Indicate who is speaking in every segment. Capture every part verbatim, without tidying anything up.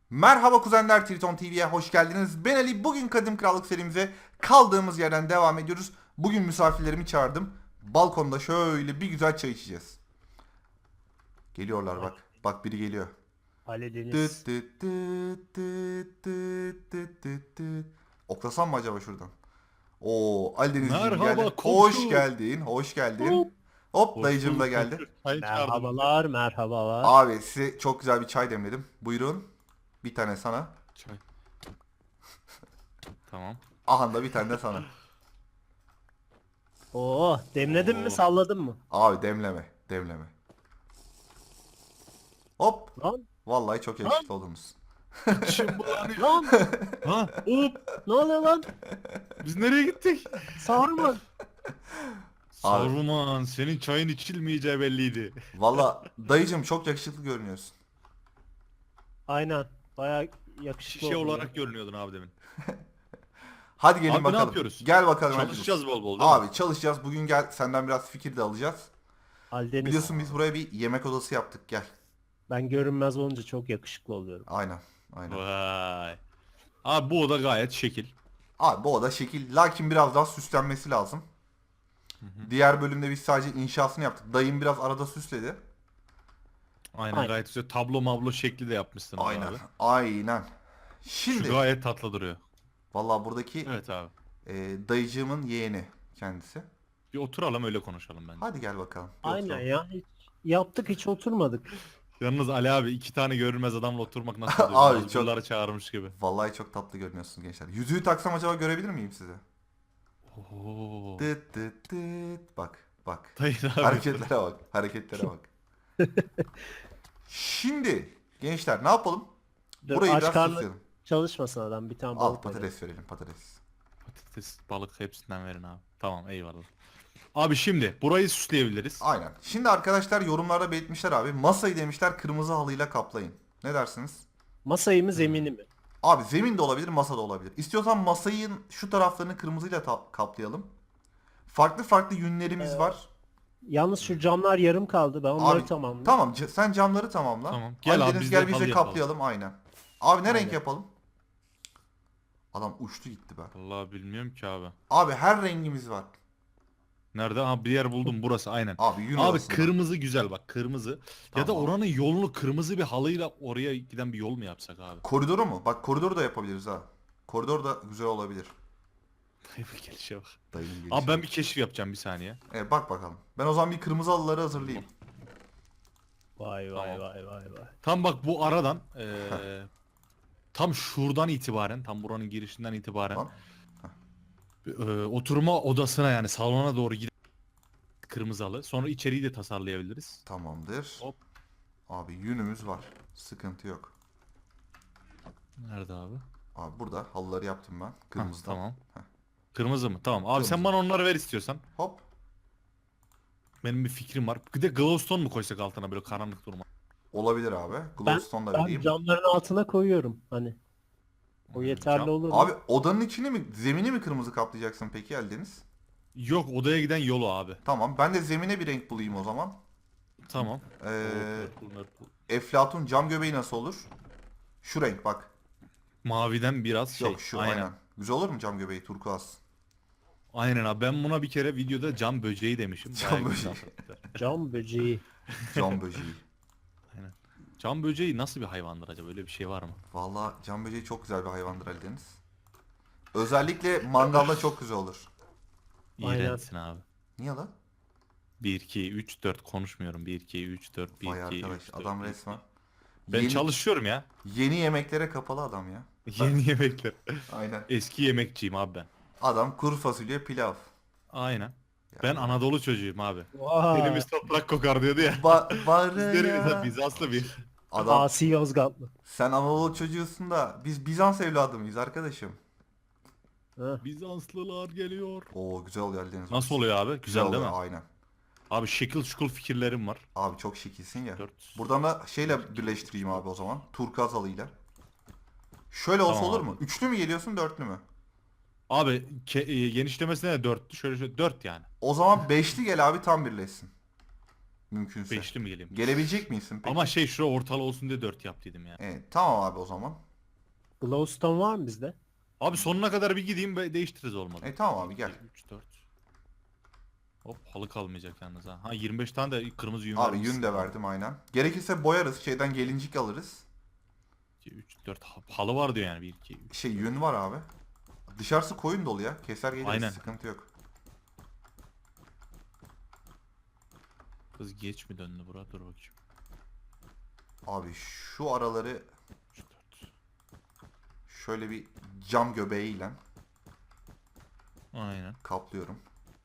Speaker 1: Merhaba kuzenler, Triton T V'ye hoş geldiniz. Ben Ali. Bugün Kadim Krallık serimize kaldığımız yerden devam ediyoruz. Bugün misafirlerimi çağırdım. Balkonda şöyle bir güzel çay içeceğiz. Geliyorlar bak. Bak biri geliyor.
Speaker 2: Ali
Speaker 1: Tıt
Speaker 2: Deniz.
Speaker 1: tıt tıt tıt tıt tıt tıt tıt. Oklasam mı acaba şuradan? Oo, Ali Denizciğim geldi.
Speaker 3: Merhaba
Speaker 1: Hoş
Speaker 3: komşu.
Speaker 1: geldin, hoş geldin.
Speaker 2: Hop.
Speaker 1: Hop,
Speaker 3: Hoş
Speaker 1: dayıcım da
Speaker 3: bulduk
Speaker 1: geldi.
Speaker 3: komşu. Çay çağırdım.
Speaker 2: Merhabalar, merhabalar.
Speaker 1: Abi size çok güzel bir çay demledim. Buyurun. Bir tane sana.
Speaker 3: Çay. Tamam.
Speaker 1: Aha da bir tane de sana.
Speaker 2: Oo, demledin
Speaker 3: Oo.
Speaker 2: mi, salladın mı?
Speaker 1: Abi demleme, demleme. Hop.
Speaker 2: Lan,
Speaker 1: Vallahi çok yakışıklı oldunuz.
Speaker 3: İçim bulanıyor.
Speaker 2: lan,
Speaker 3: Ha? Hop.
Speaker 2: ne oluyor lan?
Speaker 3: Biz nereye gittik?
Speaker 2: Sarman.
Speaker 3: Saruman, senin çayın içilmeyeceği belliydi.
Speaker 1: Vallahi dayıcım çok yakışıklı görünüyorsun.
Speaker 2: Aynen, baya yakışıklı
Speaker 3: Şişe
Speaker 2: oldun
Speaker 3: olarak
Speaker 2: ya.
Speaker 3: görünüyordun abi demin.
Speaker 1: Hadi gelin
Speaker 3: Abi ne
Speaker 1: bakalım.
Speaker 3: yapıyoruz?
Speaker 1: Gel bakalım.
Speaker 3: Çalışacağız
Speaker 1: hadi.
Speaker 3: bol bol değil mi?
Speaker 1: Abi çalışacağız. Bugün gel senden biraz fikir de alacağız.
Speaker 2: Ali Deniz,
Speaker 1: Biliyorsun biz buraya bir yemek odası yaptık. Gel.
Speaker 2: ben görünmez olunca çok yakışıklı oluyorum.
Speaker 1: Aynen. Aynen.
Speaker 3: Vay. Abi bu oda gayet şekil.
Speaker 1: Abi bu oda şekil. Lakin biraz daha süslenmesi lazım. Diğer bölümde biz sadece inşasını yaptık. Dayım biraz arada süsledi.
Speaker 3: Aynen,
Speaker 2: Aynen.
Speaker 3: gayet güzel. Tablo mablo şekli de yapmışsın
Speaker 1: Aynen.
Speaker 3: abi.
Speaker 1: Aynen.
Speaker 3: Şu
Speaker 1: Şimdi
Speaker 3: gayet tatlı duruyor.
Speaker 1: vallahi buradaki
Speaker 3: Evet abi.
Speaker 1: e, dayıcığımın yeğeni kendisi.
Speaker 3: Bir oturalım öyle konuşalım bence.
Speaker 1: Hadi gel bakalım. bir
Speaker 2: Aynen
Speaker 1: oturalım.
Speaker 2: ya, hiç yaptık hiç oturmadık.
Speaker 3: Yalnız Ali abi iki tane görünmez adamla oturmak nasıl oluyor?
Speaker 1: Abi
Speaker 3: Abi,
Speaker 1: çok-
Speaker 3: çağırmış gibi.
Speaker 1: Vallahi çok tatlı görünüyorsunuz gençler. Yüzüğü taksam acaba görebilir miyim sizi?
Speaker 3: Oo.
Speaker 1: Tıt tıt tıt. Bak bak.
Speaker 3: Dayı abi.
Speaker 1: Hareketlere bak. Hareketlere bak. Şimdi gençler ne yapalım?
Speaker 2: Dur,
Speaker 1: Burayı
Speaker 2: aç
Speaker 1: biraz
Speaker 2: karnı
Speaker 1: süsleyelim.
Speaker 2: çalışmasın adam, bir tane
Speaker 1: Al
Speaker 2: balık verelim.
Speaker 1: patates verelim patates.
Speaker 3: Patates, balık hepsinden verin abi. Tamam, eyvallah. Abi şimdi burayı süsleyebiliriz.
Speaker 1: Aynen. Şimdi arkadaşlar yorumlarda belirtmişler abi. Masayı demişler kırmızı halıyla kaplayın. Ne dersiniz?
Speaker 2: Masayı mı, zemini mi?
Speaker 1: Abi zemin de olabilir, masa da olabilir. İstiyorsan masayın şu taraflarını kırmızıyla ta- kaplayalım. Farklı farklı yünlerimiz
Speaker 2: Ee,
Speaker 1: var.
Speaker 2: Yalnız şu camlar yarım kaldı, ben onları
Speaker 1: Abi
Speaker 2: tamamlayayım.
Speaker 1: tamam c- sen camları tamamla.
Speaker 3: Tamam. Gel
Speaker 1: Ali
Speaker 3: abi,
Speaker 1: Deniz
Speaker 3: biz de
Speaker 1: gel biz
Speaker 3: halı
Speaker 1: de
Speaker 3: yapalım.
Speaker 1: kaplayalım aynen. Abi ne renk
Speaker 2: Aynen.
Speaker 1: yapalım? Adam uçtu gitti be.
Speaker 3: Vallahi bilmiyorum ki abi.
Speaker 1: Abi her rengimiz var.
Speaker 3: Nerede? Abi bir yer buldum, burası aynen.
Speaker 1: Abi yün
Speaker 3: Abi
Speaker 1: odasında.
Speaker 3: kırmızı güzel bak, kırmızı. Ya da
Speaker 1: Tamam.
Speaker 3: oranın yolunu kırmızı bir halıyla oraya giden bir yol mu yapsak abi?
Speaker 1: Koridoru mu? Bak koridoru da yapabiliriz ha. Koridor da güzel olabilir.
Speaker 3: Dayı bir gelişe bak.
Speaker 1: Dayının gelişi.
Speaker 3: Abi ben bir keşif yapacağım, bir saniye.
Speaker 1: Evet, bak bakalım. Ben o zaman bir kırmızı halıları hazırlayayım.
Speaker 2: Vay vay
Speaker 3: Tamam.
Speaker 2: vay vay vay.
Speaker 3: Tam bak bu aradan eee tam şuradan itibaren, tam buranın girişinden itibaren
Speaker 1: Tamam.
Speaker 3: eee, oturma odasına, yani salona doğru gidip kırmızı halı. Sonra içeriği de tasarlayabiliriz.
Speaker 1: Tamamdır.
Speaker 3: Hop.
Speaker 1: Abi yünümüz var. Sıkıntı yok.
Speaker 3: Nerede abi?
Speaker 1: Abi burada halıları yaptım ben.
Speaker 3: Hah,
Speaker 1: Kırmızıdan.
Speaker 3: tamam.
Speaker 1: Heh.
Speaker 3: Kırmızı mı? Tamam. Abi sen
Speaker 1: Kırmızı.
Speaker 3: bana onları ver istiyorsan.
Speaker 1: Hop.
Speaker 3: Benim bir fikrim var. Bir de glowstone mu koysak altına, böyle karanlık durma.
Speaker 1: Olabilir abi.
Speaker 2: Ben,
Speaker 1: Glowstone da
Speaker 2: ben
Speaker 1: vereyim.
Speaker 2: camların altına koyuyorum hani. O
Speaker 3: Hmm,
Speaker 2: yeterli
Speaker 3: cam-
Speaker 2: olur mu?
Speaker 1: Abi odanın içini mi, zemini mi kırmızı kaplayacaksın peki Eldeniz?
Speaker 3: Yok, odaya giden yolu abi.
Speaker 1: Tamam. Ben de zemine bir renk bulayım o zaman.
Speaker 3: Tamam.
Speaker 1: Ee,
Speaker 3: Purple, purple.
Speaker 1: Eflatun cam göbeği nasıl olur? Şu renk bak.
Speaker 3: Maviden biraz şey.
Speaker 1: Yok şu aynen. Güzel olur mu cam göbeği turkuaz?
Speaker 3: Aynen abi, ben buna bir kere videoda cam böceği demişim.
Speaker 1: Cam
Speaker 3: Bayağı
Speaker 1: böceği.
Speaker 3: güzel.
Speaker 2: Cam böceği.
Speaker 1: Cam böceği.
Speaker 3: Aynen. Cam böceği nasıl bir hayvandır acaba? Öyle bir şey var mı?
Speaker 1: Vallahi cam böceği çok güzel bir hayvandır Eldeniz. Özellikle mangalda çok güzel olur.
Speaker 2: Aynen.
Speaker 3: İğrençsin abi.
Speaker 1: Niye lan?
Speaker 3: bir iki üç dört konuşmuyorum. bir iki üç dört bir
Speaker 1: Vay
Speaker 3: iki
Speaker 1: arkadaş
Speaker 3: üç dört.
Speaker 1: adam resmen.
Speaker 3: Ben
Speaker 1: Yeni,
Speaker 3: çalışıyorum ya.
Speaker 1: yeni yemeklere kapalı adam ya.
Speaker 3: Yeni yemekler.
Speaker 1: Aynen.
Speaker 3: Eski yemekçiyim abi ben.
Speaker 1: Adam kuru fasulye pilav.
Speaker 3: Aynen. Ben Anadolu çocuğuyum abi.
Speaker 2: Vay.
Speaker 3: Elimiz toprak kokar diyordu ya.
Speaker 1: Ba
Speaker 3: Biz
Speaker 1: barı
Speaker 3: deriz ha,
Speaker 1: ya.
Speaker 3: Bizanslı bir.
Speaker 1: Adam
Speaker 2: Asi Yozgatlı.
Speaker 1: sen Anadolu çocuğusun da biz Bizans evladı mıyız arkadaşım?
Speaker 2: Ha.
Speaker 3: Bizanslılar geliyor.
Speaker 1: Oo güzel oluyor Eldeniz.
Speaker 3: Nasıl oluyor abi? Güzel değil
Speaker 1: oluyor,
Speaker 3: mi?
Speaker 1: aynen.
Speaker 3: Abi şekil şukul fikirlerim var.
Speaker 1: Abi çok şekilsin ya.
Speaker 3: Dört.
Speaker 1: Buradan da şeyle birleştireyim abi o zaman. Turkuaz halıyla. Şöyle olsa
Speaker 3: Tamam
Speaker 1: olur
Speaker 3: abi.
Speaker 1: mu? Üçlü mü geliyorsun dörtlü mü?
Speaker 3: Abi ke- e, genişlemesine de dörttü. Şöyle şöyle dört yani.
Speaker 1: O zaman beşli gel abi tam birleşsin. Mümkünse.
Speaker 3: Beşli mi geleyim?
Speaker 1: Gelebilecek misin peki?
Speaker 3: Ama şey şura ortalı olsun diye dört yap dedim ya.
Speaker 1: Evet, tamam abi o zaman.
Speaker 2: Glowstone var mı bizde?
Speaker 3: Abi sonuna kadar bir gideyim ve değiştiririz olmadı.
Speaker 1: E tamam abi gel.
Speaker 3: üç dört. Hop halı kalmayacak yalnız ha. Ha yirmi beş tane de kırmızı yün
Speaker 1: Abi
Speaker 3: vermişsin.
Speaker 1: yün de verdim aynen. Gerekirse boyarız. Şeyden gelincik alırız.
Speaker 3: iki üç dört halı var diyor yani bir iki üç.
Speaker 1: Şey yün var abi. Dışarısı koyun dolu ya. Keser geliriz.
Speaker 3: Aynen.
Speaker 1: Sıkıntı yok.
Speaker 3: Kız geç mi döndü bura? Dur bakayım.
Speaker 1: Abi şu araları
Speaker 3: üç dört.
Speaker 1: şöyle bir cam göbeğiyle
Speaker 3: Aynen.
Speaker 1: kaplıyorum.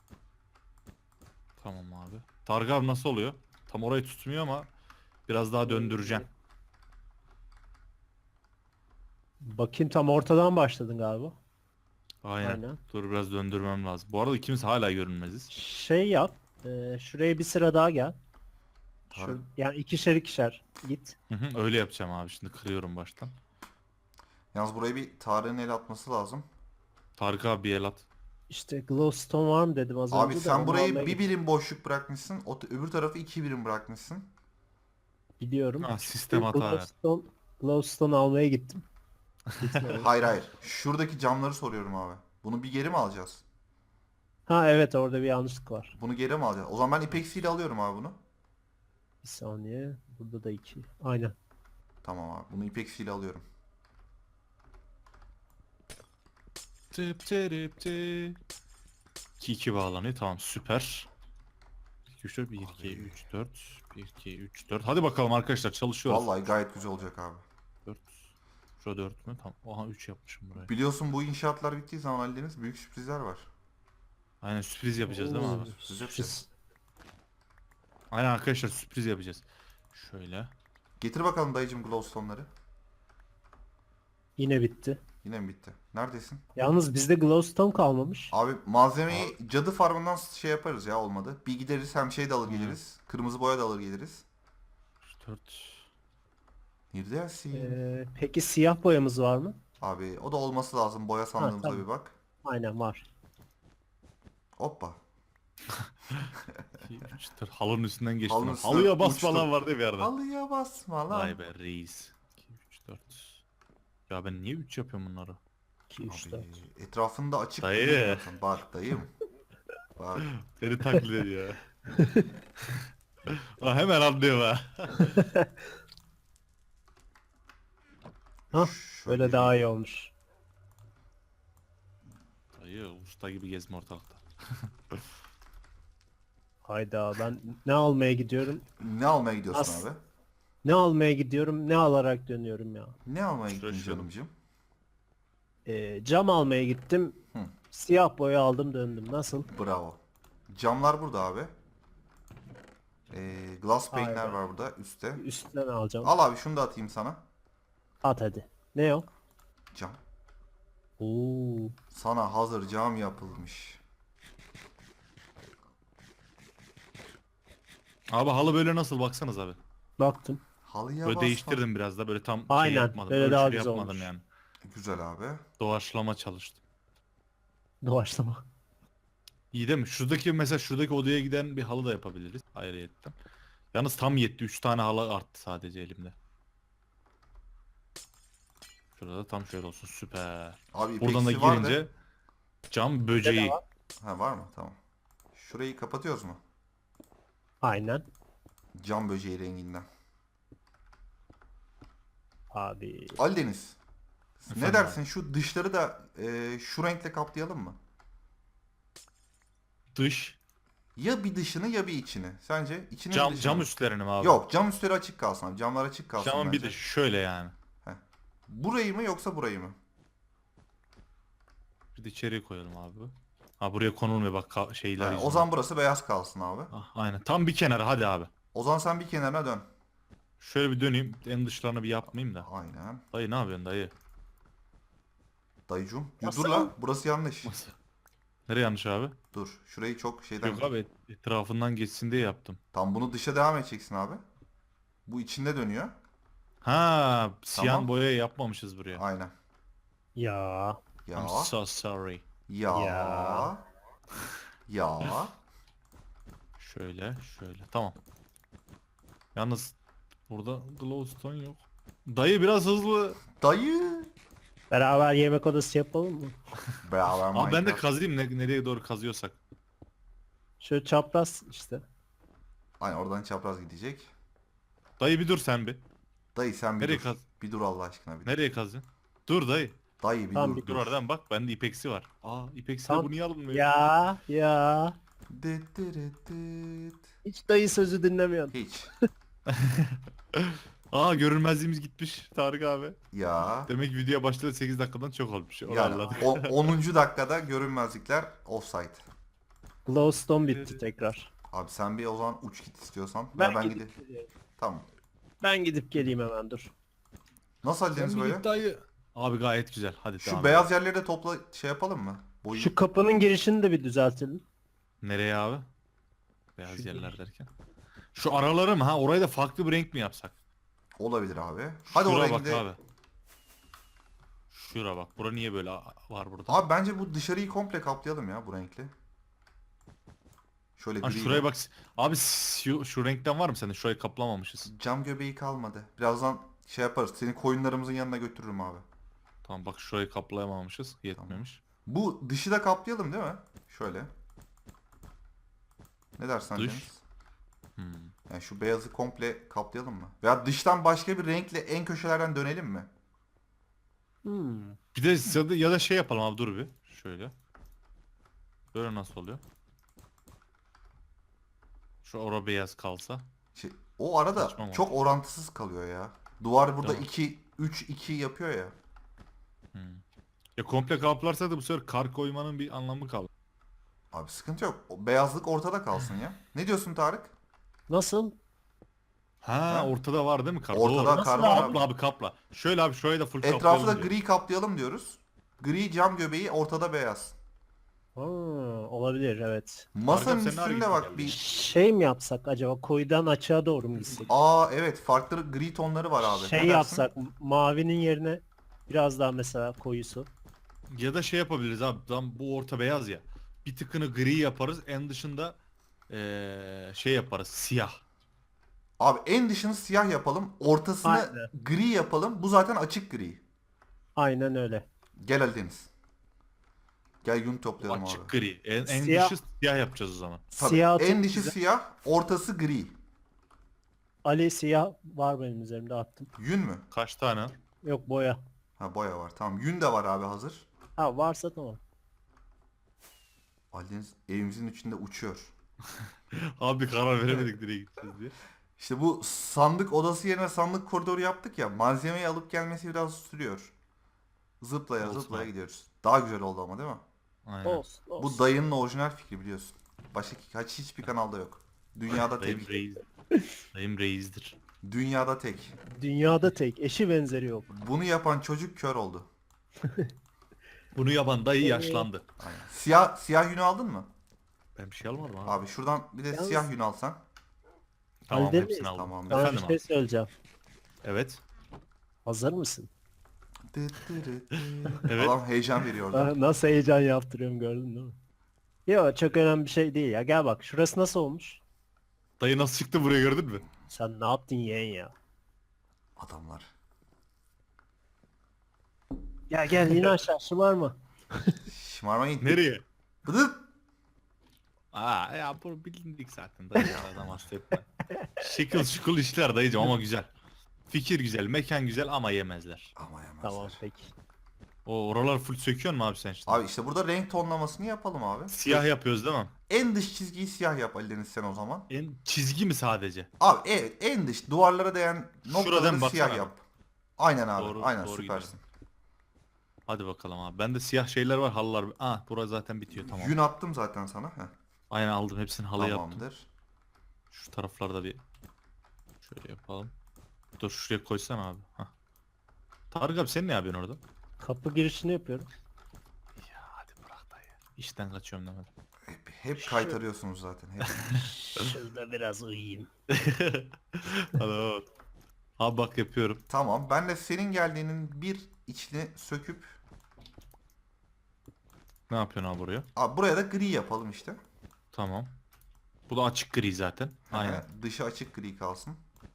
Speaker 3: Tamam abi. Tarık abi nasıl oluyor? Tam orayı tutmuyor ama biraz daha döndüreceğim.
Speaker 2: Bakayım, tam ortadan başladın galiba.
Speaker 3: Aynen.
Speaker 2: Aynen.
Speaker 3: Dur biraz döndürmem lazım. Bu arada ikimiz hala görünmeziz.
Speaker 2: Şey yap. E, şuraya bir sıra daha gel. Şu,
Speaker 1: Tabii.
Speaker 2: yani ikişer ikişer git.
Speaker 3: Hı hı, öyle yapacağım abi. Şimdi kırıyorum baştan.
Speaker 1: Yalnız burayı bir Tarık'ın el atması lazım.
Speaker 3: Tarık abi bir el at.
Speaker 2: İşte glowstone var mı dedim az
Speaker 1: Abi
Speaker 2: önce de,
Speaker 1: sen
Speaker 2: onu
Speaker 1: burayı
Speaker 2: almaya
Speaker 1: bir
Speaker 2: git-
Speaker 1: birim boşluk bırakmışsın. O öbür tarafı iki birim bırakmışsın.
Speaker 2: Biliyorum.
Speaker 3: Ha, sistem hata verdi.
Speaker 2: Glowstone, glowstone almaya gittim. Gitmedim.
Speaker 1: Hayır hayır. Şuradaki camları soruyorum abi. Bunu bir geri mi alacağız?
Speaker 2: Ha evet, orada bir yanlışlık var.
Speaker 1: Bunu geri mi alacağız? O zaman ben ipeksiyle alıyorum abi bunu.
Speaker 2: Bir saniye. Burada da iki. Aynen.
Speaker 1: Tamam abi. Bunu ipeksiyle alıyorum.
Speaker 3: Tıp tırıp tıp. iki iki bağlanıyor. Tamam süper. iki üç dört bir iki üç dört bir iki üç dört. Hadi bakalım arkadaşlar çalışıyoruz.
Speaker 1: Vallahi gayet güzel olacak abi.
Speaker 3: dört. Şurada dört mü? Tamam. Oha üç yapmışım buraya.
Speaker 1: Biliyorsun bu inşaatlar bittiği zaman Ali Deniz büyük sürprizler var.
Speaker 3: Aynen sürpriz yapacağız değil mi abi?
Speaker 1: Sürpriz yapacağız.
Speaker 3: Aynen arkadaşlar sürpriz yapacağız. Şöyle.
Speaker 1: Getir bakalım dayıcım glowstone'ları.
Speaker 2: Yine bitti.
Speaker 1: Yine mi bitti? Neredesin?
Speaker 2: Yalnız bizde glowstone kalmamış.
Speaker 1: Abi malzemeyi cadı farmından şey yaparız ya olmadı. Bir gideriz hem şey de alır geliriz. Kırmızı boya da alır geliriz.
Speaker 3: üç dört.
Speaker 1: Neredesin?
Speaker 2: Ee, peki siyah boyamız var mı?
Speaker 1: Abi o da olması lazım. Boya sandığımıza
Speaker 2: tamam.
Speaker 1: bir bak.
Speaker 2: Aynen var.
Speaker 1: Hoppa.
Speaker 3: iki üç dört. Halının üstünden geçtim.
Speaker 1: Halının üstünden
Speaker 3: Halıya basma
Speaker 1: uçtum.
Speaker 3: lan vardı bir yerde.
Speaker 1: Halıya basma lan.
Speaker 3: Vay be reis. iki üç dört. Ya ben niye üç yapıyorum bunları?
Speaker 2: iki üç
Speaker 1: Abi,
Speaker 2: dört.
Speaker 1: etrafında açık
Speaker 3: Dayı.
Speaker 1: durmuyorsun. Bak dayım. Bak.
Speaker 3: Seni taklit ediyor. Ha, hemen anlıyor ha.
Speaker 2: Hah,
Speaker 1: Şöyle
Speaker 2: böyle
Speaker 1: bir-
Speaker 2: daha iyi olmuş.
Speaker 3: Dayı usta gibi gezme ortalıkta.
Speaker 2: Hayda, ben ne almaya gidiyorum?
Speaker 1: Ne almaya gidiyorsun
Speaker 2: As-
Speaker 1: abi?
Speaker 2: Ne almaya gidiyorum? Ne alarak dönüyorum ya?
Speaker 1: Ne almaya
Speaker 3: Şuraya
Speaker 1: gittin
Speaker 3: şuraya.
Speaker 1: canımcığım?
Speaker 2: Ee, cam almaya gittim.
Speaker 1: Hı.
Speaker 2: Siyah boya aldım, döndüm. Nasıl?
Speaker 1: Bravo. Camlar burada abi. Ee, glass pane'ler
Speaker 2: Aynen.
Speaker 1: var burada üstte.
Speaker 2: Üstten alacağım.
Speaker 1: Al abi şunu da atayım sana.
Speaker 2: At hadi. Ne o?
Speaker 1: Cam.
Speaker 2: Oo.
Speaker 1: Sana hazır cam yapılmış.
Speaker 3: Abi halı böyle nasıl baksanız abi.
Speaker 2: Baktım.
Speaker 1: Halıya
Speaker 3: Böyle
Speaker 1: basma.
Speaker 3: değiştirdim biraz da böyle tam şey
Speaker 2: Aynen,
Speaker 3: yapmadım.
Speaker 2: böyle
Speaker 3: Ölçülü
Speaker 2: daha güzel
Speaker 3: yapmadım
Speaker 2: olmuş.
Speaker 3: yani.
Speaker 1: Güzel abi.
Speaker 3: Doğaçlama çalıştım.
Speaker 2: Doğaçlama.
Speaker 3: İyi değil mi? Şuradaki mesela şuradaki odaya giden bir halı da yapabiliriz. Ayrıyetten. Yalnız tam yetti. üç tane halı arttı sadece elimde. Şurada da tam şöyle olsun. Süper.
Speaker 1: Abi
Speaker 3: Buradan da
Speaker 1: ipeksi var da-
Speaker 3: girince cam böceği.
Speaker 2: var.
Speaker 1: Ha var mı? Tamam. Şurayı kapatıyoruz mu?
Speaker 2: Aynen.
Speaker 1: Cam böceği renginden.
Speaker 2: Abi.
Speaker 1: Ali Deniz. Ne
Speaker 3: Efendim
Speaker 1: dersin şu dışları da e, şu renkle kaplayalım mı?
Speaker 3: Dış.
Speaker 1: Ya bir dışını ya bir içini. Sence içini mi
Speaker 3: Cam,
Speaker 1: dışını
Speaker 3: cam
Speaker 1: mı?
Speaker 3: üstlerini mi abi?
Speaker 1: Yok cam üstleri açık kalsın abi. Camlar açık kalsın
Speaker 3: Camın bir
Speaker 1: bence.
Speaker 3: de şöyle yani.
Speaker 1: Burayı mı yoksa burayı mı?
Speaker 3: Bir de içeriye koyalım abi. Ha buraya konulmuyor bak ka- şeyler
Speaker 1: Ha, o
Speaker 3: yüzünden.
Speaker 1: zaman burası beyaz kalsın abi.
Speaker 3: Ah, aynen. Tam bir kenara hadi abi.
Speaker 1: O zaman sen bir kenarına dön.
Speaker 3: Şöyle bir döneyim. En dışlarını bir yapmayayım da.
Speaker 1: Aynen.
Speaker 3: Dayı ne yapıyorsun dayı?
Speaker 1: Dayıcum. Ya
Speaker 2: Nasıl?
Speaker 1: dur la burası yanlış.
Speaker 3: Nereye yanlış abi?
Speaker 1: Dur. Şurayı çok şeyden...
Speaker 3: Yok abi et- etrafından geçsin diye yaptım.
Speaker 1: Tam bunu dışa devam edeceksin abi. Bu içinde dönüyor.
Speaker 3: Ha, siyah
Speaker 1: Tamam.
Speaker 3: boya yapmamışız buraya.
Speaker 1: Aynen.
Speaker 2: Ya.
Speaker 1: Ya.
Speaker 3: I'm so sorry.
Speaker 1: Ya.
Speaker 2: Ya.
Speaker 1: Ya.
Speaker 3: Şöyle, şöyle. Tamam. Yalnız burada glowstone yok. Dayı biraz hızlı.
Speaker 1: Dayı.
Speaker 2: Beraber yemek odası yapalım mı?
Speaker 1: Beraber
Speaker 3: Abi ben de
Speaker 1: Minecraft.
Speaker 3: kazıyım ne, nereye doğru kazıyorsak.
Speaker 2: Şöyle çapraz işte.
Speaker 1: Aynen oradan çapraz gidecek.
Speaker 3: Dayı bir dur sen bir.
Speaker 1: Dayı sen bir
Speaker 3: Nereye
Speaker 1: dur.
Speaker 3: kaz-
Speaker 1: Bir dur Allah aşkına bir dur.
Speaker 3: Nereye kazıyorsun? Dur dayı.
Speaker 1: Dayı bir
Speaker 2: Tamam,
Speaker 1: dur.
Speaker 2: bir
Speaker 3: Dur oradan bak bende ipeksi var. Aa ipeksi
Speaker 2: Tamam.
Speaker 3: bu niye alınmıyor?
Speaker 2: Ya ya.
Speaker 1: Dıt dırıt dıt.
Speaker 2: Hiç dayı sözü dinlemiyorsun.
Speaker 1: Hiç.
Speaker 3: Aa görünmezliğimiz gitmiş Tarık abi.
Speaker 1: Ya.
Speaker 3: Demek ki video başladı sekiz dakikadan çok olmuş. Onu
Speaker 1: Yani
Speaker 3: anladık.
Speaker 1: o onuncu dakikada görünmezlikler offside.
Speaker 2: Glowstone bitti tekrar.
Speaker 1: Abi sen bir o zaman uç git istiyorsan.
Speaker 2: Ben,
Speaker 1: Ben, ben
Speaker 2: gidip,
Speaker 1: gideyim.
Speaker 2: geliyorum.
Speaker 1: Tamam.
Speaker 2: Ben gidip geleyim hemen dur.
Speaker 1: Nasıl hallediniz böyle?
Speaker 3: Dayı. Abi gayet güzel. Hadi
Speaker 1: Şu
Speaker 3: devam
Speaker 1: beyaz
Speaker 3: edelim.
Speaker 1: yerleri de topla şey yapalım mı? Boyu.
Speaker 2: Şu kapının girişini de bir düzeltelim.
Speaker 3: Nereye abi? Beyaz
Speaker 2: Şu
Speaker 3: yerler
Speaker 2: giriş.
Speaker 3: derken. Şu araları mı ha? Orayı da farklı bir renk mi yapsak?
Speaker 1: Olabilir abi. Hadi
Speaker 3: Şura
Speaker 1: oraya
Speaker 3: bak
Speaker 1: gidelim.
Speaker 3: abi. Şura bak. Bura niye böyle a- var burada?
Speaker 1: Abi bence bu dışarıyı komple kaplayalım ya bu renkli. Şöyle
Speaker 3: Ha,
Speaker 1: gri.
Speaker 3: şuraya bak. Abi şu, şu renkten var mı sende? Şurayı kaplamamışız.
Speaker 1: Cam göbeği kalmadı. Birazdan şey yaparız. Seni koyunlarımızın yanına götürürüm abi.
Speaker 3: Tamam bak şurayı kaplayamamışız. Yetmemiş.
Speaker 1: Bu dışı da kaplayalım değil mi? Şöyle. Ne dersen
Speaker 3: Dış.
Speaker 1: Deniz?
Speaker 3: Hmm.
Speaker 1: Yani şu beyazı komple kaplayalım mı? Veya dıştan başka bir renkle en köşelerden dönelim mi?
Speaker 2: Hmm.
Speaker 3: Bir de ya da, ya da şey yapalım abi dur bir. Şöyle. Böyle nasıl oluyor? Şu ora beyaz kalsa.
Speaker 1: Şey, o arada
Speaker 3: Saçma mı
Speaker 1: çok orantısız kalıyor ya. Duvar burada
Speaker 3: Değil mi?
Speaker 1: iki üç iki yapıyor ya.
Speaker 3: Hmm. Ya komple kaplarsa da bu sefer kar koymanın bir anlamı kalır.
Speaker 1: Abi sıkıntı yok. O beyazlık ortada kalsın ya. Ne diyorsun Tarık?
Speaker 2: Nasıl?
Speaker 3: Ha,
Speaker 1: Ha?
Speaker 3: ortada var değil mi kar?
Speaker 1: Ortada
Speaker 3: Doğru.
Speaker 1: kar
Speaker 2: Nasıl
Speaker 1: var
Speaker 3: Kapla
Speaker 1: abi.
Speaker 3: abi kapla. Şöyle abi şurayı da full
Speaker 1: Etrafı da
Speaker 3: kaplayalım diyor.
Speaker 1: gri kaplayalım diyoruz. Gri cam göbeği ortada beyaz.
Speaker 2: Ha, olabilir evet.
Speaker 1: Masanın
Speaker 3: sen ne ara
Speaker 1: üstünde
Speaker 3: gittin
Speaker 1: bak
Speaker 3: geldin?
Speaker 1: bir...
Speaker 2: Şey mi yapsak acaba koyudan açığa doğru mu gitsek?
Speaker 1: Aa evet farklı gri tonları var abi.
Speaker 2: Şey
Speaker 1: Ne dersin?
Speaker 2: yapsak mavinin yerine biraz daha mesela koyusu.
Speaker 3: Ya da şey yapabiliriz abi. Tam bu orta beyaz ya. Bir tıkını gri yaparız. En dışında eee, şey yaparız. Siyah.
Speaker 1: Abi en dışını siyah yapalım. Ortasını
Speaker 2: Aynen.
Speaker 1: gri yapalım. Bu zaten açık gri.
Speaker 2: Aynen öyle.
Speaker 1: Gel Ali Deniz. Gel yün toplayalım
Speaker 3: Açık
Speaker 1: abi.
Speaker 3: gri. En, en
Speaker 2: Siyah.
Speaker 3: dışı siyah yapacağız o zaman.
Speaker 1: Tabii,
Speaker 2: Siyah
Speaker 1: en
Speaker 2: çok
Speaker 1: dışı
Speaker 2: güzel.
Speaker 1: siyah, ortası gri.
Speaker 2: Ali siyah var benim üzerimde attım.
Speaker 1: Yün mü?
Speaker 3: Kaç tane?
Speaker 2: Yok boya.
Speaker 1: Ha boya var. Tamam. Yün de var abi hazır.
Speaker 2: Ha varsa tamam.
Speaker 1: Ali Deniz evimizin içinde uçuyor.
Speaker 3: Abi karar veremedik nereye gideceğiz diye.
Speaker 1: İşte bu sandık odası yerine sandık koridoru yaptık ya. Malzemeyi alıp gelmesi biraz sürüyor. Zıplaya
Speaker 3: Olsun
Speaker 1: zıplaya
Speaker 3: abi.
Speaker 1: gidiyoruz. Daha güzel oldu ama değil mi?
Speaker 3: Aynen.
Speaker 2: Olsun olsun.
Speaker 1: Bu dayının orijinal fikri biliyorsun. Başka kaç hiçbir kanalda yok. Dünyada
Speaker 3: Dayım
Speaker 1: tek.
Speaker 3: reis. Dayım reisdir.
Speaker 1: Dünyada tek.
Speaker 2: Dünyada tek eşi benzeri yok.
Speaker 1: Bunu yapan çocuk kör oldu.
Speaker 3: Bunu yapan dayı yaşlandı.
Speaker 1: Aynen. Siyah siyah yünü aldın mı?
Speaker 3: Ben bir şey almadım abi.
Speaker 1: Abi şuradan bir de
Speaker 2: Yalnız-
Speaker 1: siyah yün alsan.
Speaker 3: Tamam
Speaker 2: Halde
Speaker 3: hepsini
Speaker 2: miyiz?
Speaker 3: aldım.
Speaker 1: Tamam.
Speaker 2: Sana bir
Speaker 3: Efendim
Speaker 2: şey
Speaker 3: abi.
Speaker 2: söyleyeceğim.
Speaker 3: Evet.
Speaker 2: Hazır mısın?
Speaker 1: Dıt dırıt dıt.
Speaker 3: Evet.
Speaker 1: Adam heyecan veriyor orada.
Speaker 2: Ah, nasıl heyecan yaptırıyorum gördün değil mi? Yok çok önemli bir şey değil ya. Gel bak şurası nasıl olmuş?
Speaker 3: Dayı nasıl çıktı buraya gördün mü?
Speaker 2: Sen ne yaptın yeğen ya?
Speaker 1: Adamlar.
Speaker 2: Gel gel yine aşağı şımarma.
Speaker 1: Şımarmayın.
Speaker 3: Nereye?
Speaker 1: Bıdıt.
Speaker 3: Aa ya bu bilindik zaten dayı ya, adam hasta etme. Şıkıl şıkıl işler dayıcım ama güzel. Fikir güzel, mekan güzel ama yemezler.
Speaker 1: Ama yemezler.
Speaker 2: Tamam peki.
Speaker 3: O oralar full söküyor mu abi sen işte?
Speaker 1: Abi işte burada renk tonlamasını yapalım abi.
Speaker 3: Siyah yapıyoruz değil mi?
Speaker 1: En dış çizgiyi siyah yap Ali Deniz sen o zaman.
Speaker 3: En çizgi mi sadece?
Speaker 1: Abi evet en dış duvarlara değen noktaları
Speaker 3: baksana
Speaker 1: siyah
Speaker 3: abi.
Speaker 1: yap. Aynen abi.
Speaker 3: Doğru-
Speaker 1: Aynen
Speaker 3: doğru
Speaker 1: süpersin.
Speaker 3: Hadi bakalım abi. Bende siyah şeyler var, halılar. Ah burası zaten bitiyor tamam.
Speaker 1: Yün attım zaten sana. Heh,
Speaker 3: Aynen aldım hepsini halı yaptım.
Speaker 1: tamamdır.
Speaker 3: Şu taraflarda bir şöyle yapalım. Dur şuraya koysan abi. Hah. Tarık abi sen ne yapıyorsun orada?
Speaker 2: Kapı girişini yapıyorum.
Speaker 3: Ya hadi bırak dayı. İşten kaçıyorum demedim.
Speaker 1: Hep, hep kaytarıyorsunuz zaten. Hep.
Speaker 2: Şurada biraz uyuyayım.
Speaker 3: Hadi evet. Abi bak yapıyorum.
Speaker 1: Tamam. Ben de senin geldiğinin bir içini söküp
Speaker 3: Ne yapıyorsun abi buraya?
Speaker 1: abi buraya da gri yapalım işte.
Speaker 3: Tamam. Bu da açık gri zaten. Aynen.
Speaker 1: Ee, Dışı açık gri kalsın.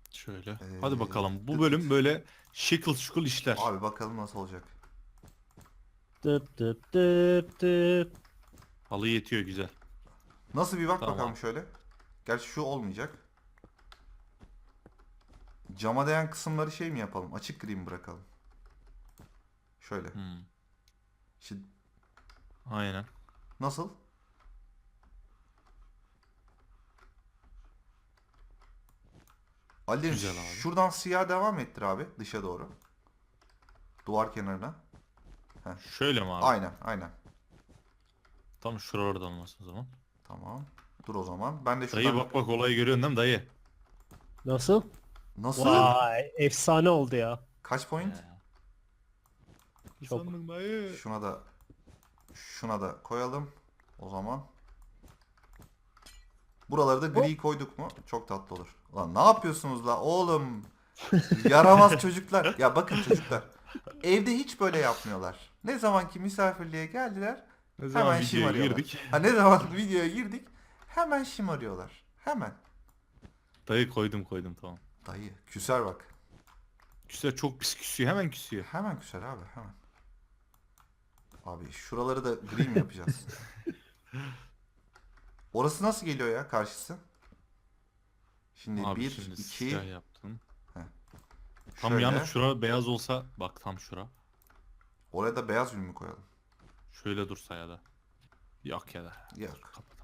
Speaker 3: Şöyle.
Speaker 1: Ee,
Speaker 3: Hadi bakalım. Bu
Speaker 1: tık
Speaker 3: bölüm
Speaker 1: tık.
Speaker 3: böyle şıkıl şıkıl işler.
Speaker 1: Abi bakalım nasıl olacak.
Speaker 2: Dıp dıp dıp dıp.
Speaker 3: Halı yetiyor güzel.
Speaker 1: Nasıl bir bak
Speaker 3: Tamam
Speaker 1: bakalım
Speaker 3: abi.
Speaker 1: şöyle. Gerçi şu olmayacak. Cama değen kısımları şey mi yapalım? Açık gri mi bırakalım? Şöyle.
Speaker 3: Hmm,
Speaker 1: Şimdi
Speaker 3: aynen.
Speaker 1: nasıl? Ali Deniz,
Speaker 3: Güzel abi.
Speaker 1: şuradan siyah devam ettir abi dışa doğru. Duvar kenarına.
Speaker 3: Şöyle mi abi?
Speaker 1: Aynen aynen.
Speaker 3: Tam şuralarda olmasın o zaman.
Speaker 1: Tamam. Dur o zaman. Ben de
Speaker 3: Dayı
Speaker 1: şuradan...
Speaker 3: bak bak olayı görüyorsun değil mi dayı?
Speaker 2: Nasıl?
Speaker 1: Nasıl?
Speaker 2: Vay efsane oldu ya.
Speaker 1: Kaç point?
Speaker 2: Çok.
Speaker 3: Sandım dayı.
Speaker 1: Şuna da şuna da koyalım. O zaman. Buraları da gri koyduk mu? Çok tatlı olur. Lan ne yapıyorsunuz la oğlum? Yaramaz çocuklar. Ya bakın çocuklar. Evde hiç böyle yapmıyorlar. Ne zamanki misafirliğe geldiler
Speaker 3: Ne zaman
Speaker 1: hemen
Speaker 3: videoya
Speaker 1: şımarıyorlar.
Speaker 3: girdik.
Speaker 1: Ha, ne zaman videoya girdik hemen şımarıyorlar. Hemen.
Speaker 3: Dayı koydum koydum tamam.
Speaker 1: Dayı küser bak.
Speaker 3: Küsüyor çok pis küsüyor hemen küsüyor.
Speaker 1: Hemen küser abi hemen. Abi şuraları da gri mi yapacağız? Orası nasıl geliyor ya karşısı? Şimdi
Speaker 3: Abi
Speaker 1: bir,
Speaker 3: şimdi
Speaker 1: iki,
Speaker 3: siyah yaptım. Tam
Speaker 1: şöyle.
Speaker 3: yalnız şura beyaz olsa bak tam şura.
Speaker 1: Oraya da beyaz ürün mü koyalım?
Speaker 3: Şöyle dursa ya da. Yok ya da.
Speaker 1: Yok.
Speaker 3: Kapat.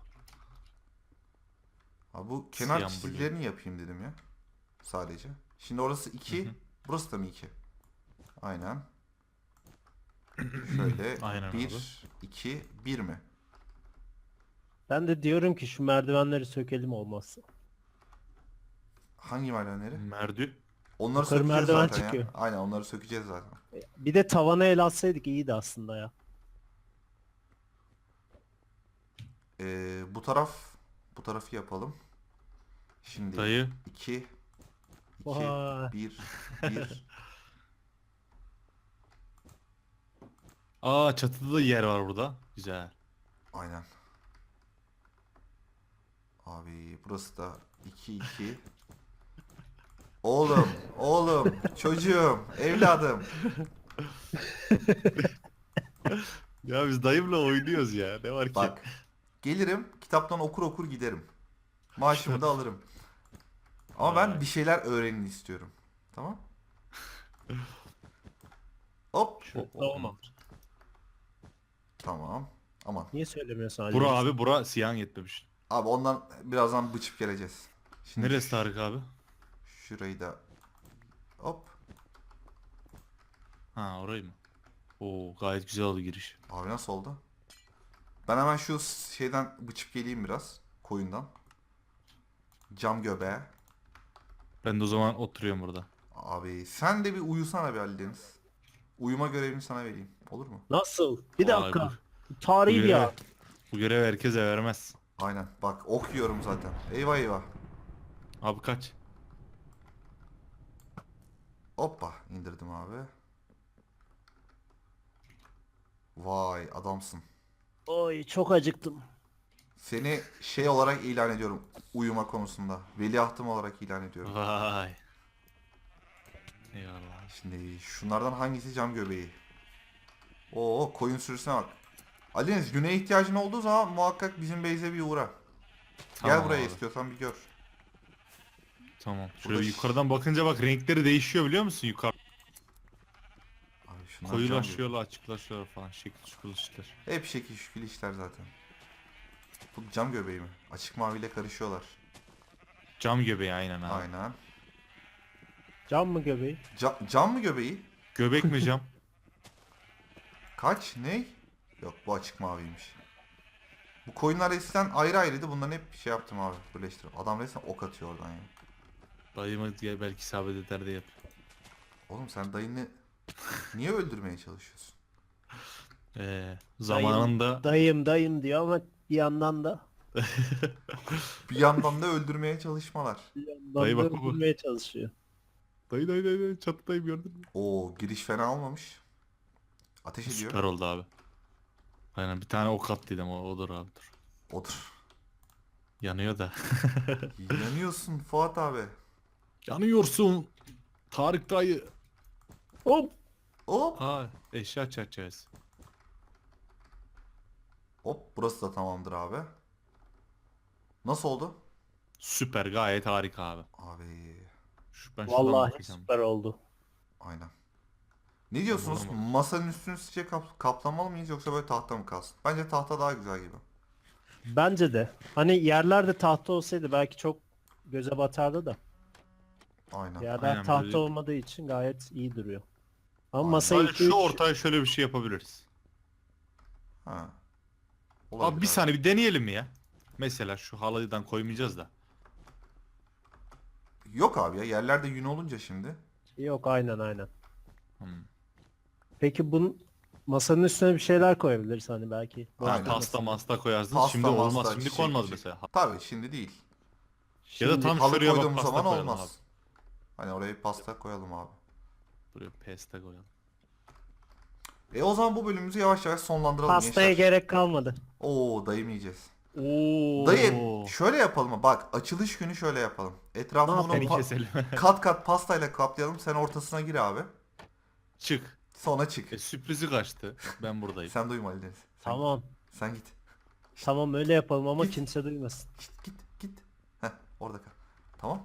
Speaker 1: Abi bu kenar
Speaker 3: Siyah
Speaker 1: çizgilerini yapayım dedim ya. Sadece. Şimdi orası iki.
Speaker 3: Hı hı.
Speaker 1: Burası da mı iki? Aynen. Şöyle
Speaker 3: Aynen abi.
Speaker 1: bir, iki, bir mi?
Speaker 2: Ben de diyorum ki şu merdivenleri sökelim olmazsa.
Speaker 1: Hangi merdivenleri?
Speaker 3: Merdü.
Speaker 1: Onları
Speaker 2: Yukarı
Speaker 1: sökeceğiz
Speaker 2: merdiven
Speaker 1: zaten
Speaker 2: çıkıyor.
Speaker 1: ya. Aynen onları sökeceğiz zaten.
Speaker 2: Bir de tavana el atsaydık iyiydi aslında ya.
Speaker 1: Ee, bu taraf bu tarafı yapalım. Şimdi
Speaker 3: Dayı.
Speaker 1: iki, iki,
Speaker 2: Vay.
Speaker 1: bir, bir.
Speaker 3: Aa çatıda da yer var burada. Güzel.
Speaker 1: Aynen. Abi burası da iki, iki. Oğlum, oğlum, çocuğum, evladım.
Speaker 3: Ya biz dayımla oynuyoruz ya. Ne var ki?
Speaker 1: Bak, gelirim, kitaptan okur okur giderim. Maaşımı da alırım. Ama ben
Speaker 3: Vay.
Speaker 1: bir şeyler öğrenin istiyorum. Tamam? Hop,
Speaker 3: O- o-
Speaker 2: Tamam.
Speaker 1: tamam. Aman.
Speaker 2: Niye söylemiyorsun Ali?
Speaker 3: Bura abi bura siyah yetmemiş.
Speaker 1: Abi ondan birazdan bıçıp geleceğiz. Şimdi
Speaker 3: Neresi Tarık abi?
Speaker 1: şurayı da hop.
Speaker 3: Ha orayı mı? Oo gayet güzel oldu giriş.
Speaker 1: Abi nasıl oldu? Ben hemen şu şeyden bıçıp geleyim biraz. Koyundan. Cam göbeğe.
Speaker 3: Ben de o zaman oturuyorum burada.
Speaker 1: Abi sen de bir uyusana be Ali Deniz. Uyuma görevini sana vereyim. Olur mu?
Speaker 2: Nasıl? Bir
Speaker 3: Vay
Speaker 2: dakika.
Speaker 3: bu-
Speaker 2: Tarihi
Speaker 3: bu
Speaker 2: bir
Speaker 3: görev,
Speaker 2: ya.
Speaker 3: bu görev herkese vermez.
Speaker 1: Aynen. Bak ok yiyorum zaten. Eyvah eyvah.
Speaker 3: Abi kaç?
Speaker 1: Hoppa indirdim abi. Vay adamsın.
Speaker 2: Oy çok acıktım.
Speaker 1: Seni şey olarak ilan ediyorum uyuma konusunda. Veliahtım olarak ilan ediyorum.
Speaker 3: Vay. Eyvallah.
Speaker 1: Şimdi şunlardan hangisi cam göbeği? Oo koyun sürüsüne bak. Ali Deniz güne ihtiyacın olduğu zaman muhakkak bizim base'e bir uğra.
Speaker 3: Tamam
Speaker 1: Gel buraya
Speaker 3: abi.
Speaker 1: istiyorsan bir gör.
Speaker 3: Tamam.
Speaker 1: Burada
Speaker 3: Şöyle
Speaker 1: ş-
Speaker 3: yukarıdan bakınca bak renkleri değişiyor biliyor musun? Yukarı
Speaker 1: Abi şunlar cam göbeği.
Speaker 3: koyulaşıyorlar, açıklaşıyorlar falan. Şekil şukul işler.
Speaker 1: Hep şekil şükül işler zaten. Bu cam göbeği mi? Açık maviyle karışıyorlar.
Speaker 3: Cam göbeği aynen abi.
Speaker 1: Aynen.
Speaker 2: Cam mı göbeği?
Speaker 1: Ca- cam mı göbeği?
Speaker 3: Göbek mi cam?
Speaker 1: Kaç? Ne? Yok bu açık maviymiş. Bu koyunlar eskiden ayrı ayrıydı. Bunların hep şey yaptım abi. Birleştirdim. Adam resmen ok atıyor oradan ya.
Speaker 3: Dayıma diye belki isabet eder de yap.
Speaker 1: Oğlum sen dayını niye öldürmeye çalışıyorsun?
Speaker 3: Ee, zamanında
Speaker 2: Dayım dayım diyor ama bir yandan da
Speaker 1: Bir yandan da öldürmeye çalışmalar.
Speaker 2: bir yandan
Speaker 3: Dayı
Speaker 2: da
Speaker 3: bak baba.
Speaker 2: öldürmeye çalışıyor.
Speaker 3: dayı dayı dayı dayı çatıdayım gördün mü?
Speaker 1: Oo giriş fena olmamış. Ateş ediyor.
Speaker 3: Süper oldu abi. Aynen bir tane ok attıydım o odur abi dur.
Speaker 1: Otur.
Speaker 3: Yanıyor da.
Speaker 1: Yanıyorsun Fuat abi.
Speaker 3: Yanıyorsun. Tarık dayı.
Speaker 2: Hop.
Speaker 1: Hop.
Speaker 3: Ha, eşya çerçevesi.
Speaker 1: Hop burası da tamamdır abi. Nasıl oldu?
Speaker 3: Süper, gayet harika abi.
Speaker 1: Abi
Speaker 3: Şu, ben şuradan
Speaker 2: Vallahi
Speaker 3: bakacağım.
Speaker 2: süper oldu.
Speaker 1: aynen. Ne diyorsunuz?
Speaker 3: Tamam.
Speaker 1: Masanın üstünü sizce kap- kaplamalı mıyız yoksa böyle tahta mı kalsın? Bence tahta daha güzel gibi.
Speaker 2: Bence de. Hani yerlerde tahta olsaydı belki çok göze batardı da.
Speaker 1: Aynen.
Speaker 2: Yerler
Speaker 3: Aynen,
Speaker 2: tahta
Speaker 3: böyle-
Speaker 2: olmadığı için gayet iyi duruyor. Ama
Speaker 1: Aynen.
Speaker 2: masayı
Speaker 3: Sadece
Speaker 2: iki
Speaker 3: şu
Speaker 2: üç...
Speaker 3: ortaya şöyle bir şey yapabiliriz.
Speaker 1: Ha.
Speaker 3: Abi
Speaker 1: Olabilir
Speaker 3: bir saniye bir deneyelim mi ya? Mesela şu halıdan koymayacağız da.
Speaker 1: Yok abi ya yerlerde yün olunca şimdi.
Speaker 2: Yok aynen aynen.
Speaker 3: Hmm.
Speaker 2: Peki bunun masanın üstüne bir şeyler koyabiliriz hani belki.
Speaker 1: Aynen.
Speaker 3: Ha, pasta masta koyarsınız.
Speaker 1: Pasta,
Speaker 3: Şimdi olmaz.
Speaker 1: masta,
Speaker 3: Şimdi
Speaker 1: çiçek,
Speaker 3: konmaz
Speaker 1: çiçek.
Speaker 3: mesela.
Speaker 1: Tabii şimdi değil.
Speaker 3: Ya da
Speaker 2: Şimdi-
Speaker 3: tam
Speaker 1: Halı
Speaker 3: şuraya bak
Speaker 1: koyduğumuz
Speaker 3: pasta
Speaker 1: zaman
Speaker 3: koyalım
Speaker 1: olmaz.
Speaker 3: abi.
Speaker 1: Hani oraya pasta koyalım abi.
Speaker 3: Buraya pasta koyalım.
Speaker 1: E o zaman bu bölümümüzü yavaş yavaş sonlandıralım
Speaker 2: Pastaya
Speaker 1: gençler.
Speaker 2: gerek kalmadı.
Speaker 1: Oo dayım yiyeceğiz.
Speaker 3: Oo.
Speaker 1: Dayı şöyle yapalım mı? Bak açılış günü şöyle yapalım. Etrafını
Speaker 2: Ne
Speaker 1: bunun
Speaker 3: Seni
Speaker 1: pa-
Speaker 3: keselim.
Speaker 1: kat kat pastayla kaplayalım. Sen ortasına gir abi.
Speaker 3: Çık.
Speaker 1: Sonra çık.
Speaker 3: E, sürprizi kaçtı. Ben buradayım.
Speaker 1: Sen duyma Ali Deniz. Sen,
Speaker 2: Tamam.
Speaker 1: Sen git.
Speaker 2: Tamam öyle yapalım ama
Speaker 1: Git.
Speaker 2: kimse duymasın.
Speaker 1: Git git git. Heh orada kal. Tamam.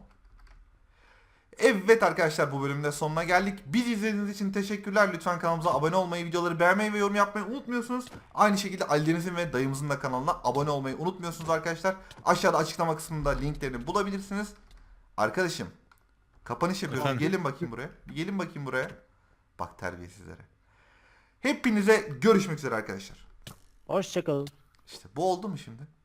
Speaker 1: Evet arkadaşlar bu bölümde sonuna geldik. Bizi izlediğiniz için teşekkürler. Lütfen kanalımıza abone olmayı, videoları beğenmeyi ve yorum yapmayı unutmuyorsunuz. Aynı şekilde Ali Deniz'in ve dayımızın da kanalına abone olmayı unutmuyorsunuz arkadaşlar. Aşağıda açıklama kısmında linklerini bulabilirsiniz. Arkadaşım kapanış yapıyorum.
Speaker 3: Efendim?
Speaker 1: Gelin bakayım buraya. Bir gelin bakayım buraya. Bak terbiyesizlere. Hepinize görüşmek üzere arkadaşlar.
Speaker 2: Hoşçakalın.
Speaker 1: İşte bu oldu mu şimdi?